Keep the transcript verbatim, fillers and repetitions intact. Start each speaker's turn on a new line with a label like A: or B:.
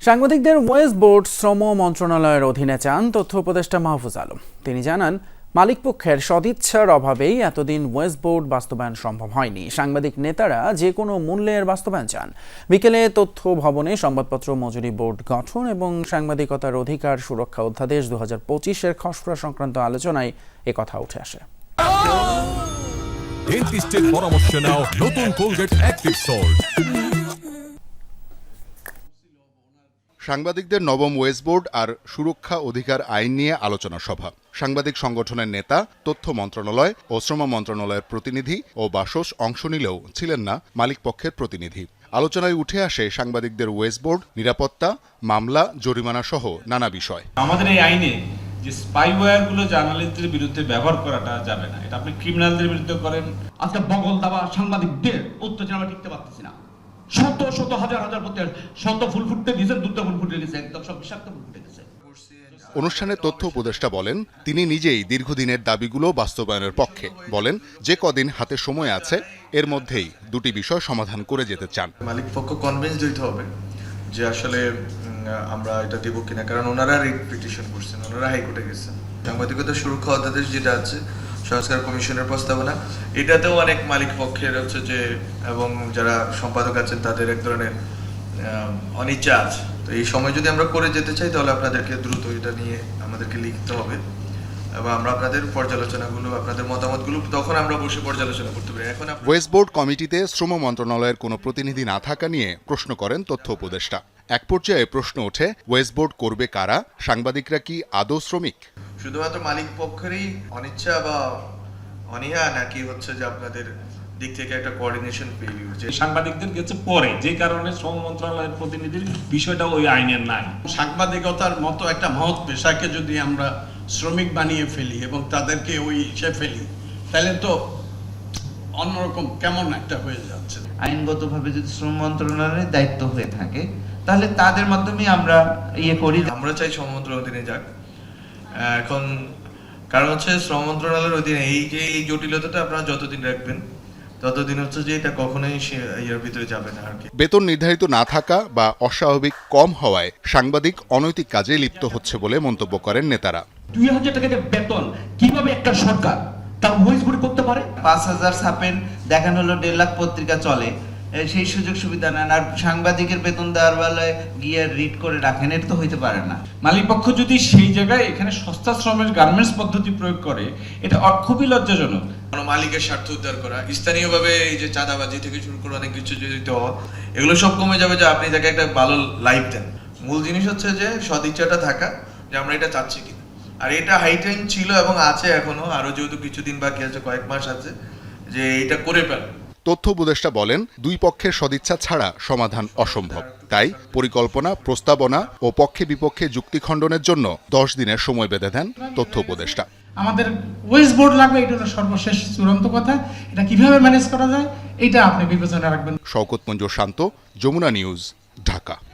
A: সাংবাদিকদের wedge board শ্রম মন্ত্রণালয়ের অধীনে চান তথ্য উপদেষ্টা মাহফুজ আলম। তিনি জানান, মালিকপক্ষের সদিচ্ছার অভাবেই এতদিন ওয়েজ বোর্ড বাস্তবায়ন সম্ভব হয়নি। সাংবাদিক নেতারা যে কোনো মূল্যের বাস্তবায়ন চান। বিকেলে তথ্য ভবনে সংবাদপত্র মজুরি বোর্ড গঠন এবং সাংবাদিকতার অধিকার সুরক্ষা অধ্যাদেশ দু হাজার পঁচিশের খসড়া সংক্রান্ত আলোচনায় একথা উঠে আসে।
B: ডেন্টিস্টের পরামর্শ নাও নতুন কোলগেট অ্যাক্টিভ সল্ট।
C: সাংবাদিকদের নবম ওয়েজ বোর্ড আর সুরক্ষা অধিকার আইন নিয়ে আলোচনা সভা। সাংবাদিক সংগঠনের নেতা, তথ্য মন্ত্রণালয় ও শ্রম মন্ত্রণালয়ের প্রতিনিধি ও বাসস অংশ নিলেও ছিলেন না মালিকপক্ষের প্রতিনিধি। আলোচনায় উঠে আসে সাংবাদিকদের ওয়েজ বোর্ড, নিরাপত্তা, মামলা, জরিমানা সহ নানা বিষয়।
D: আমাদের এই আইনে যে স্পাইওয়্যারগুলো জার্নালিস্টদের বিরুদ্ধে ব্যবহার করাটা যাবে না। এটা আপনি ক্রিমিনালদের বিরুদ্ধে করেন।
E: আজকে বগল দাবা সাংবাদিকদের অত্যাচার আমরা টিকতে পারতেছি না। শত শত হাজার হাজার প্রতি শত ফুল ফুটতে দিয়েছেন, দুটো ফুল ফুটে গেছে, একদম সব বিষাক্ত ফুল ফুটে গেছে।
C: অনুষ্ঠানে তথ্য উপদেষ্টা বলেন, তিনি নিজেই দীর্ঘদিনের দাবিগুলো বাস্তবায়নের পক্ষে। বলেন, যে কদিন হাতে সময় আছে এর মধ্যেই দুটি বিষয় সমাধান করে যেতে চান।
F: মালিক পক্ষ কনভিন্স হইতে হবে যে আসলে আমরা এটা দেবো কিনা, কারণ ওনারা রিট পিটিশন করছেন, ওনারা হাইকোর্টে গেছেন। সাংবাদিকতা সুরক্ষা অধ্যাদেশ যেটা আছে সংস্কার কমিশনের প্রস্তাবনা, এটাতেও অনেক মালিক পক্ষের হচ্ছে যে এবং যারা সম্পাদক আছেন তাদের এক ধরনের অনিচ্ছা আছে। তো এই সময় যদি আমরা করে যেতে চাই তাহলে আপনাদেরকে দ্রুত এটা নিয়ে আমাদেরকে লিখতে হবে এবং আমরা আপনাদের পর্যালোচনাগুলো, আপনাদের মতামতগুলো তখন আমরা বসে পর্যালোচনা করতে পারি। এখন
C: ওয়েজ বোর্ড কমিটিতে শ্রম মন্ত্রণালয়ের কোনো প্রতিনিধি না থাকা নিয়ে প্রশ্ন করেন তথ্য উপদেষ্টা। এক পর্যায়ে প্রশ্ন ওঠে, ওয়েজ বোর্ড করবে কারা? সাংবাদিকরা কি আদৌ শ্রমিক?
F: শুধুমাত্র মালিক পক্ষেরই অনিচ্ছা বা অনীহা, নাকি হচ্ছে যে আপনাদের দিক থেকে একটা কোঅর্ডিনেশন ফেলিউর?
D: যে সাংবাদিকদের গেছে পরে, যে কারণে শ্রম মন্ত্রণালয়ের প্রতিনিধির বিষয়টা ওই আইনের নাই।
E: সাংবাদিকতার মতো একটা মহৎ পেশাকে যদি আমরা শ্রমিক বানিয়ে ফেলি এবং তাদেরকে ওই হিসেবে ফেলি, তাহলে তো অন্যরকম কেমন একটা হয়ে যাচ্ছে।
G: আইনগতভাবে যদি শ্রম মন্ত্রণালয়ের দায়িত্ব হয়ে থাকে তাহলে তাদের মাধ্যমে আমরা ইয়ে করি।
F: আমরা চাই শ্রম মন্ত্রণালয়ের অধীনে যাক। এখন কারণ হচ্ছে শ্রম মন্ত্রণালয়ের অধীনে এই যে এই জটিলতাটা আপনারা যতদিন রাখবেন ততদিন হচ্ছে যে এটা কখনোই এর ভিতরে যাবে না আর কি।
C: বেতন নির্ধারিত না থাকা বা অস্বাভাবিক কম হওয়ায় সাংবাদিক অনৈতিক কাজে লিপ্ত হচ্ছে বলে মন্তব্য করেন নেতারা।
E: দুই হাজার টাকা বেতন কিভাবে একটা সরকার তার ওয়েজ বোর্ড করতে পারে?
G: পাঁচ হাজার ছাপেন, দেখানো হলো দেড় লাখ পত্রিকা চলে, সেই সুযোগ সুবিধা নেন, আর সাংবাদিকের বেতন দেওয়ার বেলায় গিয়ে রিড করে রাখেন, এটা তো হইতে পারে না।
D: মালিক পক্ষ যদি সেই জায়গায় এখানে সস্তা শ্রমের গার্মেন্টস পদ্ধতি প্রয়োগ করে, এটা খুবই লজ্জাজনক।
F: মালিকের স্বার্থ উদ্ধার করা, স্থানীয়ভাবে এই যে চাঁদাবাজি থেকে শুরু করে অনেক কিছু জড়িত হওয়া, এগুলো সব কমে যাবে যে আপনি তাকে একটা ভালো লাইফ দেন। মূল জিনিস হচ্ছে যে সদিচ্ছাটা থাকা, যে আমরা এটা চাচ্ছি কিনা। আর এটা হাই টাইম ছিল এবং আছে এখনো, আরো যেহেতু কিছুদিন বাকি আছে, কয়েক মাস আছে, যে এটা করে ফেল।
C: তথ্য উপদেষ্টা বলেন, দুই পক্ষের সদিচ্ছা ছাড়া সমাধান অসম্ভব। তাই পরিকল্পনা, প্রস্তাবনা ও পক্ষে বিপক্ষে যুক্তি খণ্ডনের জন্য দশ দিনের সময় বেঁধে দেন তথ্য উপদেষ্টা।
H: আমাদের ওয়েজ বোর্ড লাগবে, এটা হলো সর্বশেষ চূড়ান্ত কথা। এটা কিভাবে ম্যানেজ করা যায় এটা আপনি বিবেচনা রাখবেন।
C: শওকত মঞ্জুর শান্ত, যমুনা নিউজ, ঢাকা।